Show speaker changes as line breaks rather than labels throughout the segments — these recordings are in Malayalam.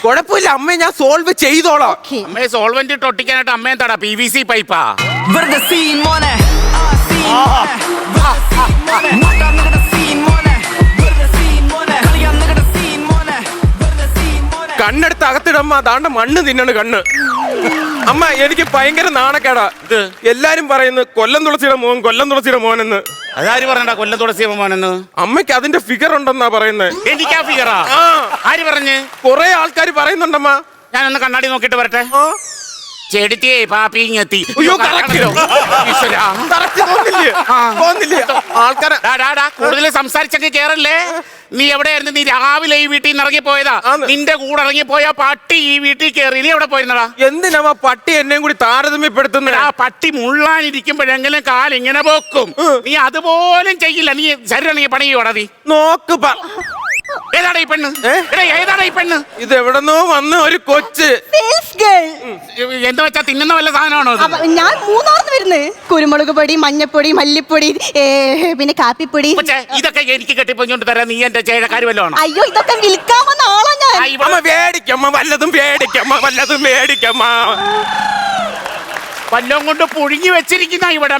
കുഴപ്പമില്ല അമ്മേ, ഞാൻ സോൾവ് ചെയ്തോളാം.
അമ്മയെ സോൾവെന്റ് ഇട്ട് ഒട്ടിക്കാനായിട്ട് അമ്മ എന്താടാ PVC പൈപ്പാ?
കണ്ണെടുത്ത് അകത്തിടമ്മ, അതാണ്ട് മണ്ണ് തിന്നണ് കണ്ണ്. അമ്മ എനിക്ക് ഭയങ്കര നാണക്കേടാ. എല്ലാരും പറയുന്നു കൊല്ലം തുളസിയുടെ മോൻ, കൊല്ലം തുളസിയുടെ മോനെന്ന്.
അതാര് പറഞ്ഞടാ കൊല്ലം തുളസിയുടെ മോനെന്ന്?
അമ്മയ്ക്ക് അതിന്റെ ഫിഗർ ഉണ്ടെന്നാ പറയുന്നത്.
എനിക്കാ ഫിഗറാ? ആര് പറഞ്ഞ്?
കൊറേ ആൾക്കാർ പറയുന്നുണ്ടമ്മ.
ഞാനൊന്ന് കണ്ണാടി നോക്കിട്ട് വരട്ടെ. ചെടിത്തേ പാപ്പിങ്ങെത്തി. ആൾക്കാരെ കൂടുതൽ സംസാരിച്ചൊക്കെ കേറല്ലേ. നീ എവിടെയായിരുന്നു? നീ രാവിലെ ഈ വീട്ടിൽ നിന്ന് ഇറങ്ങി പോയതാ. നിന്റെ കൂടെ ഇറങ്ങി പോയ പട്ടി ഈ വീട്ടിൽ കയറി. നീ എവിടെ പോയിരുന്നടാ?
എന്തിനാ പട്ടി എന്നെയും കൂടി താരതമ്യപ്പെടുത്തുന്നത്?
ആ പട്ടി മുള്ളാനിരിക്കുമ്പോഴെങ്കിലും കാലിങ്ങനെ പോക്കും. നീ അതുപോലും ചെയ്യില്ല. നീ ശരീരം പണി ചെയ്യോടാ നീ.
നോക്ക്
ഏതാടാ ഈ പെണ്ണ്? ഏതാടാ ഈ പെണ്ണ്?
ഇത് എവിടെന്നോ വന്ന ഒരു കൊച്ച്.
എന്താ വെച്ചാ തിന്നുന്ന വല്ല സാധനമാണോ?
ഞാൻ മൂന്നാർന്ന് വരുന്നത്. കുരുമുളക് പൊടി, മഞ്ഞപ്പൊടി, മല്ലിപ്പൊടി, പിന്നെ കാപ്പിപ്പൊടി.
ഇതൊക്കെ എനിക്ക് കെട്ടിപ്പൊഞ്ഞോണ്ട് തരാം. നീ എന്റെ ചേഴക്കാര് വല്ലതാണോ?
അയ്യോ, ഇതൊക്കെ വിൽക്കാമെന്ന ആളാ ഞാൻ.
വേടിക്കമ്മ, വല്ലതും വേടിക്കമ്മ, വല്ലതും വേടിക്കമ്മ.
വല്ലതും കൊണ്ട് പുഴുങ്ങി വെച്ചിരിക്കുന്ന ഇവിടെ.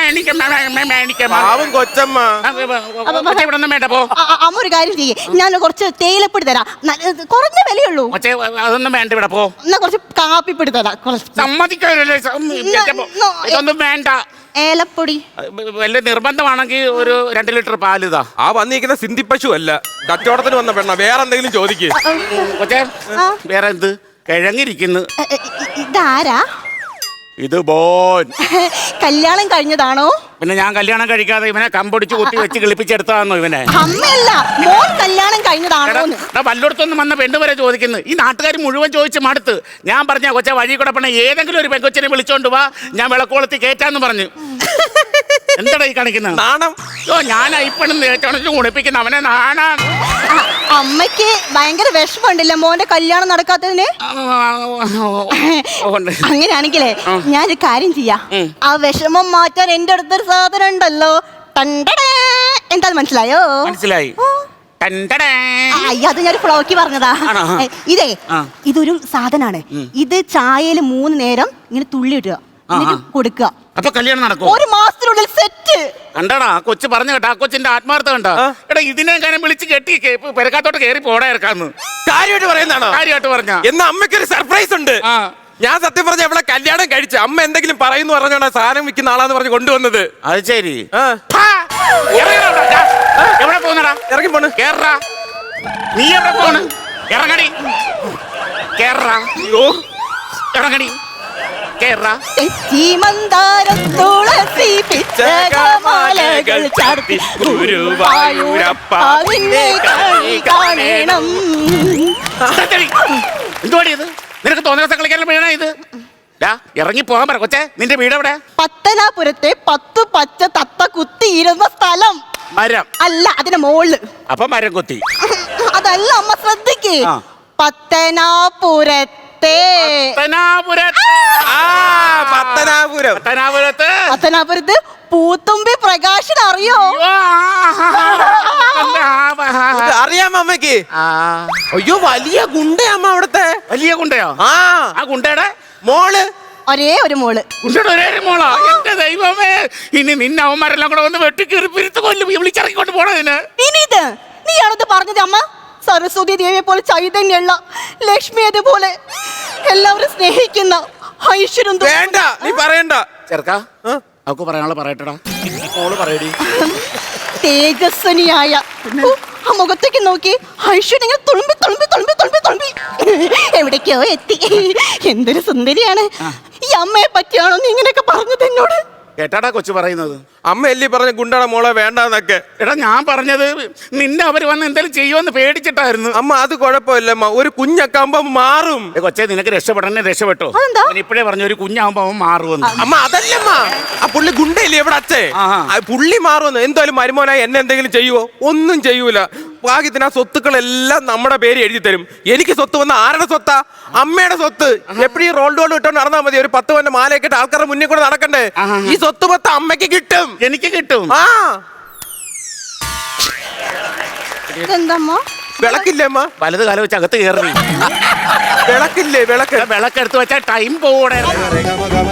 പാവം കൊച്ചമ്മ.
ഇവിടെ ഒന്നും വേണ്ട പോ.
അമ്മ ഒരു കാര്യം ചെയ്യേ, ഞാൻ കുറച്ച് തേയിലപ്പൊടി തരാം. കുറഞ്ഞ വിലയുള്ളൂ.
അതൊന്നും വേണ്ട, ഇവിടെ പോ.
എന്നാ കുറച്ച് കാപ്പിപ്പൊടി തരാം.
സമ്മതിക്കാനല്ലേ? ഇതൊന്നും വേണ്ട.
ഏലപ്പൊടി
വല്ല നിർബന്ധമാണെങ്കിൽ ഒരു 2 ലിറ്റർ പാല് ഇതാ.
ആ വന്നിരിക്കുന്ന സിന്ധി പശു അല്ല, കച്ചവടത്തിന് വന്ന പെണ്ണ. വേറെ എന്തെങ്കിലും ചോദിക്കേ?
കൊച്ചേ, വേറെ എന്ത്? കിഴങ്ങിരിക്കുന്നു.
ഇതാരാ?
ഇത് ബോൻ.
കല്യാണം കഴിഞ്ഞതാണോ?
പിന്നെ ഞാൻ കല്യാണം കഴിക്കാതെ ഇവനെ കമ്പൊടിച്ച് കുത്തി വെച്ച് കിളിപ്പിച്ചെടുത്താന്നോ ഇവനെ?
അമ്മയല്ല, മോൻ കല്യാണം കഴിഞ്ഞതാണോ?
വല്ലയിടത്തൊന്നും വന്ന പെണ്ണ് വരെ ചോദിക്കുന്നു. ഈ നാട്ടുകാർ മുഴുവൻ ചോദിച്ച് മടുത്ത്. ഞാൻ പറഞ്ഞ കൊച്ച വഴി കൂടെ പണ ഏതെങ്കിലും ഒരു പെങ്കൊച്ചിനെ വിളിച്ചോണ്ട് വാ, ഞാൻ വിളക്കോളത്തി കേറ്റാന്ന് പറഞ്ഞു. എന്താടാ ഈ കാണിക്കുന്നത്?
നാണം.
ഞാൻ ഇപ്പണെന്ന് ഏറ്റവും കുണിപ്പിക്കുന്ന അവനെ നാണാണ്.
അമ്മയ്ക്ക് ഭയങ്കര വിഷമമുണ്ടല്ല മോന്റെ കല്യാണം നടക്കാത്തതിന്. അങ്ങനെയാണെങ്കിലേ ഞാനൊരു കാര്യം ചെയ്യാം. ആ വിഷമം മാറ്റാൻ എന്റെ അടുത്തൊരു സാധനം ഉണ്ടല്ലോ. എന്താ മനസ്സിലായോ?
മനസ്സിലായി.
അത് ഞാൻ ഫ്ലോക്കി പറഞ്ഞതാ. ഇതൊരു സാധനാണ്. ഇത് ചായയിൽ 3 നേരം ഇങ്ങനെ തുള്ളി ഇടുക, എന്നിട്ട് കൊടുക്കുക.
അപ്പൊ കല്യാണം നടക്കും
1 മാസത്തിനുള്ളിൽ സെറ്റ്.
കണ്ടാടാ കൊച്ചു പറഞ്ഞു കേട്ടാ. ആ കൊച്ചിന്റെ ആത്മാർത്ഥ കണ്ടാ. എടാ ഇതിനെ കാര്യം വിളിച്ച് കെട്ടി പെരക്കാത്തോട്ട് കയറി പോടാ ഇറക്കാന്ന്.
കാര്യമായിട്ട് പറയുന്നതാണോ?
കാര്യമായിട്ട് പറഞ്ഞ.
എന്നാ അമ്മയ്ക്കൊരു സർപ്രൈസ് ഉണ്ട്. ഞാൻ സത്യം പറഞ്ഞ ഇവിടെ കല്യാണം കഴിച്ചു. അമ്മ എന്തെങ്കിലും പറയുന്നു പറഞ്ഞോണ്ടാ സാധനം വിൽക്കുന്ന ആളാന്ന് പറഞ്ഞ് കൊണ്ടുവന്നത്.
അത് ശരി. എവിടെ പോന്നടാ? ഇറങ്ങി പോണ്. കേറാ. നീ എവിടെ പോണ്? ഇറങ്ങടി. കേറാ. ഇറങ്ങടി. കേറാ.
തുളസി പിച്ചകമാലകൾ ചാർത്തി ഗുരുവായൂരപ്പ നിന്നെ കാണണം.
എന്തുവാടി ഇത്? നിനക്ക് തോന്നിയ ദിവസം കളിക്കാൻ വീണ ഇത്? ഇറങ്ങി പോകാൻ പറ കൊച്ചേ. നിന്റെ വീട് എവിടെ?
പത്തനാപുരത്തെ 10 പച്ച തത്ത കുത്തിയിരുന്ന സ്ഥലം.
മരം
അല്ല, അതിന്റെ മോള്.
അപ്പൊ മരം കൊത്തി.
അതല്ല അമ്മ, ശ്രദ്ധിക്കേ. പത്തനാപുരത്തെ. പത്തനാപുരത്ത് പൂത്തുമ്പി പ്രകാശൻ അറിയോ?
അറിയാമോ അമ്മക്ക്? അയ്യോ, വലിയ ഗുണ്ടയമ്മ അവിടത്തെ.
വലിയ ഗുണ്ടയോ? ആ ഗുണ്ടയുടെ മോള്.
ഒരേ ഒരു മോള്.
ഗുണ്ടയുടെ ഒരേ ഒരു മോളാ? എന്റെ ദൈവമേ, ഇനി നിന്നെ അവന്മാരെല്ലാം കൂടെ വന്ന് വെട്ടിക്കേറി പിരിത്ത് കൊല്ലും. വിളിച്ചിറങ്ങിക്കൊണ്ട് പോണതിന്.
ഇനി ഇത് നീയാണത് പറഞ്ഞത് അമ്മ. സരസ്വതി ദേവിയെ പോലെ ചൈതന്യുള്ള, ലക്ഷ്മി അതുപോലെ എല്ലാവരും സ്നേഹിക്കുന്ന ഐശ്വര്യം.
വേണ്ട, നീ പറയണ്ട.
ചെറുക്കാ, അവക്ക് പറയാനുള്ള പറയട്ടടാ. മോള് പറയടി.
തേജസ്വനിയായ ആ മുഖത്തേക്ക് നോക്കി ഐശ്വര്യങ്ങൾ തുളുമ്പി തുളുമ്പി തുളുമ്പി തുളുമ്പി തുളുമ്പി എവിടേക്കോ എത്തി. എന്തൊരു സുന്ദരിയാണ്. ഈ അമ്മയെ പറ്റിയാണോ നീ ഇങ്ങനെയൊക്കെ പറഞ്ഞത് എന്നോട്?
കേട്ടാടാ കൊച്ചു പറയുന്നത്.
അമ്മ എല്ലി പറഞ്ഞ ഗുണ്ടയുടെ മോളെ വേണ്ടെന്നൊക്കെ.
എടാ ഞാൻ പറഞ്ഞത് നിന്നെ അവര് വന്ന് എന്തെങ്കിലും ചെയ്യുമെന്ന് പേടിച്ചിട്ടായിരുന്നു.
അമ്മ അത് കുഴപ്പമില്ലമ്മ, ഒരു കുഞ്ഞൊക്കെ മാറും.
കൊച്ചേ, നിനക്ക് രക്ഷപ്പെടണേ രക്ഷപ്പെട്ടോ. ഇപ്പഴേ പറഞ്ഞു ഒരു കുഞ്ഞാവുമ്പോ അവൻ മാറുമെന്ന്.
അമ്മ അതല്ലമ്മ, ആ പുള്ളി ഗുണ്ടയില്ലേ ഇവിടെ അച്ഛേ, പുള്ളി മാറുമെന്ന്. എന്തായാലും മരുമോനായി എന്നെ എന്തെങ്കിലും ചെയ്യുവോ? ഒന്നും ചെയ്യൂല. ഭാഗ്യത്തിന് ആ സ്വത്തുക്കളെല്ലാം നമ്മുടെ പേര് എഴുതി തരും. എനിക്ക് സ്വത്ത് വന്ന ആരുടെ സ്വത്താ? അമ്മയുടെ സ്വത്ത്. എപ്പോഴും റോൾഡ് ഗോൾഡ് ഇട്ടോണ്ട് നടന്നാൽ മതി. ഒരു 10 പവന്റെ മാലയൊക്കെ ഇട്ട് ആൾക്കാരുടെ മുന്നിൽ കൂടെ നടക്കണ്ടേ? ഈ സ്വത്ത് മൊത്തം അമ്മയ്ക്ക് കിട്ടും, എനിക്ക് കിട്ടും.
എന്തമ്മ
വിളക്കില്ലേ അമ്മ?
വലത് കാലം വെച്ച് അകത്ത് കയറി.
വിളക്കില്ലേ? വിളക്ക്
വിളക്കെടുത്ത് വെച്ചാൽ ടൈം പോകൂടെ.